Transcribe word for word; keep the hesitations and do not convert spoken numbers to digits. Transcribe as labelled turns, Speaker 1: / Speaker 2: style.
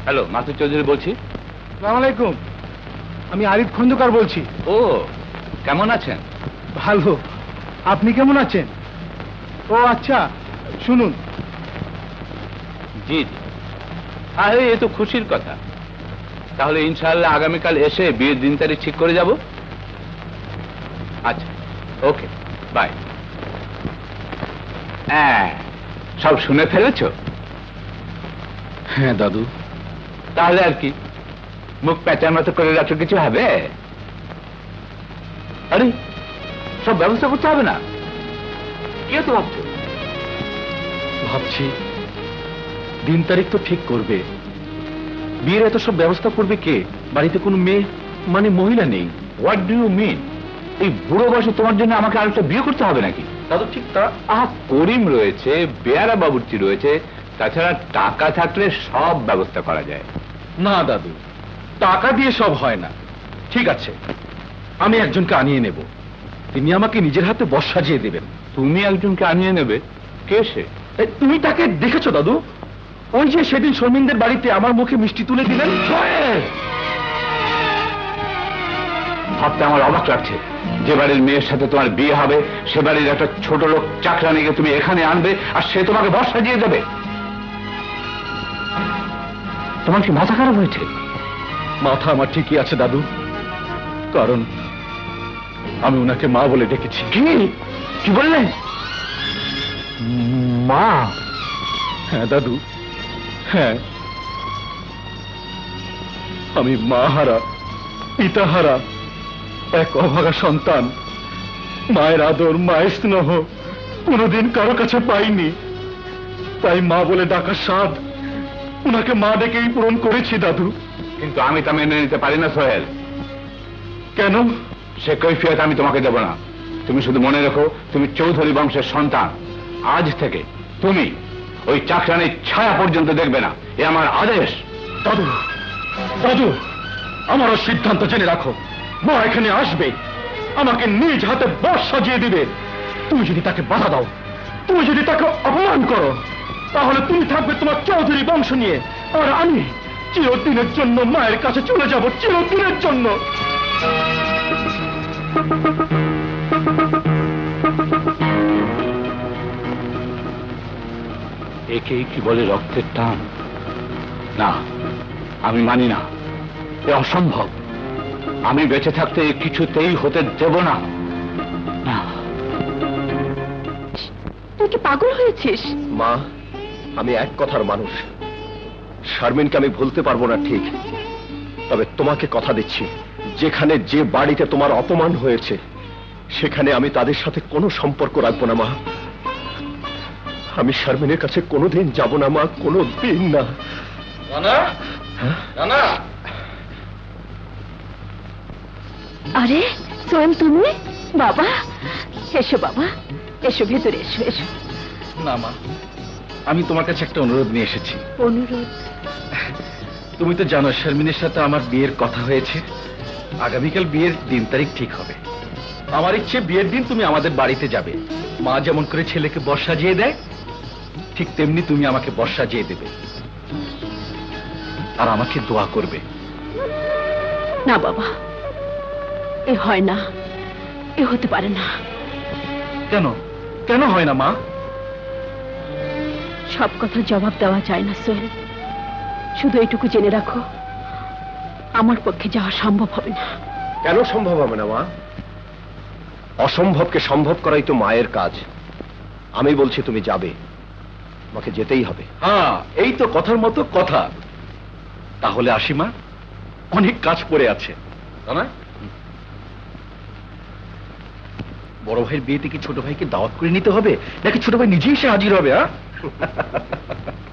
Speaker 1: Hello, Masud Chowdhury বলছি।
Speaker 2: আসসালামু আলাইকুম, আমি আরিফ খন্দকার বলছি।
Speaker 1: ও, কেমন আছেন?
Speaker 2: ভালো, আপনি কেমন আছেন? ও আচ্ছা, শুনুন।
Speaker 1: জি জি, আরে এ তো খুশির কথা। তাহলে ইনশাআল্লাহ আগামীকাল এসে বিয়ের দিন তারিখ ঠিক করে যাব। আচ্ছা, ওকে, বাই। হ্যাঁ, সব শুনে ফেলেছ?
Speaker 3: হ্যাঁ দাদু।
Speaker 1: তাহলে আর কি, মুখ প্যাঁচার মতো করে রাখো, কিছু হবে? আরে সব ব্যবস্থা করতে হবে না? কে তো ভাবছো?
Speaker 3: ভাবছি দিন তারিখ তো ঠিক করবে, বিয়ের এত সব ব্যবস্থা করবে কে? বাড়িতে কোনো মেয়ে মানে মহিলা নেই।
Speaker 1: What do you mean? এই বুড়ো বয়সে তোমার জন্য আমাকে আরেকটা বিয়ে করতে হবে নাকি?
Speaker 3: দাদু ঠিক তা।
Speaker 1: আহা, করিম রয়েছে, বেয়ারা বাবুর্চি রয়েছে, তাছাড়া টাকা থাকলে সব ব্যবস্থা করা যায়।
Speaker 3: না দাদু, টাকা দিয়ে সব হয় না। ঠিক আছে, আমি একজনকে আনিয়ে নেব, তিনি আমাকে নিজের হাতে বর সাজিয়ে দেবেন।
Speaker 1: তুমি একজনকে আনিয়ে নেবে? কে সে?
Speaker 3: এই, তুমি তাকে দেখেছো দাদু? ওই যে সেদিন শর্মিনদের বাড়িতে আমার মুখে মিষ্টি তুলে দিলেন।
Speaker 1: ভাবতে আমার অবাক লাগছে, যে বাড়ির মেয়ের সাথে তোমার বিয়ে হবে সে বাড়ির একটা ছোট লোক চাকরানিকে তুমি এখানে আনবে আর সে তোমাকে বর সাজিয়ে দেবে। তোমার কি মাথা খারাপ হয়েছে?
Speaker 3: মাথা আমার ঠিকই আছে দাদু, কারণ আমি ওনাকে মা বলে ডেকেছি।
Speaker 1: কি কি বললেন? মা?
Speaker 3: হ্যাঁ দাদু, হ্যাঁ, আমি মা হারা, পিতা হারা এক অভাগা সন্তান। মায়ের আদর, মায়ের স্নেহ কোনোদিন কারো কাছে পাইনি, তাই মা বলে ডাকার স্বাদ ওনাকে মা ডেকেই পূরণ করেছি দাদু।
Speaker 1: কিন্তু আমি তা মেনে নিতে পারি না সোহেল।
Speaker 3: কেন?
Speaker 1: সে কৈফিয়ত আমি তোমাকে দেব না। তুমি শুধু মনে রেখো, তুমি চৌধুরী বংশের সন্তান। আজ থেকে তুমি ওই চাকরানির ছায়া পর্যন্ত দেখবে না, এ আমার আদেশ।
Speaker 3: দাদু, দাদু, আমারও সিদ্ধান্ত জেনে রাখো, মা এখানে আসবে, আমাকে নিজ হাতে বর সাজিয়ে দিবে। তুমি যদি তাকে বাধা দাও, তুমি যদি তাকে অপমান করো, তাহলে তুমি থাকবে তোমার চৌধুরী বংশ নিয়ে, আর আমি চিরদিনের জন্য মায়ের কাছে চলে যাব, চিরদিনের জন্য।
Speaker 1: একেই কি বলে রক্তের টান? না, আমি মানি না, এ অসম্ভব। আমি বেঁচে থাকতে এ কিছুতেই হতে দেব না। না।
Speaker 4: তুই কি পাগল হয়েছিস?
Speaker 3: মা, আমি এক কথার মানুষ, শারমিনকে আমি ভুলতে পারবো না ঠিক, তবে তোমাকে কথা দিচ্ছি, যেখানে যে বাড়িতে তোমার অপমান হয়েছে সেখানে আমি তাদের সাথে কোনো সম্পর্ক রাখবো না মা। আমি শারমিনের কাছে কোনোদিন যাব না মা, কোনো দিন না।
Speaker 4: আরে সোহেল, তুমি? বাবা এসো, বাবা এসো, ভেতরে এসো। এসো।
Speaker 3: না মা, আমি তোমার কাছে একটা অনুরোধ নিয়ে এসেছি।
Speaker 4: অনুরোধ?
Speaker 3: তুমি তো জানো শারমিনের সাথে আমার বিয়ের কথা হয়েছে, আগামীকাল বিয়ের দিন তারিখ ঠিক হবে। আমার ইচ্ছে বিয়ের দিন তুমি আমাদের বাড়িতে যাবে। মা যেমন করে ছেলেকে বর সাজিয়ে দেয়, ঠিক তেমনি তুমি আমাকে বর সাজিয়ে দেবে আর আমাকে দোয়া করবে।
Speaker 4: না বাবা, এ হয় না, এ হতে পারে না।
Speaker 3: কেন? কেন হয় না মা?
Speaker 4: সব কথা জবাব দেওয়া যায় না সোহেল, শুধু এইটুকু জেনে রাখো, আমার পক্ষে যাওয়া সম্ভব হবে না।
Speaker 3: কেন সম্ভব হবে না মা? অসম্ভবকে সম্ভব করাই তো মায়ের কাজ। আমি বলছি তুমি যাবে, আমাকে যেতেই হবে। হ্যাঁ, এই তো কথার মতো কথা। তাহলে আসি মা, অনেক কাজ পড়ে আছে। না, বড় ভাইয়ের বিয়েতে কি ছোট ভাইকে দাওয়াত করে নিতে হবে, নাকি ছোট ভাই নিজেই এসে হাজির হবে? হ্যাঁ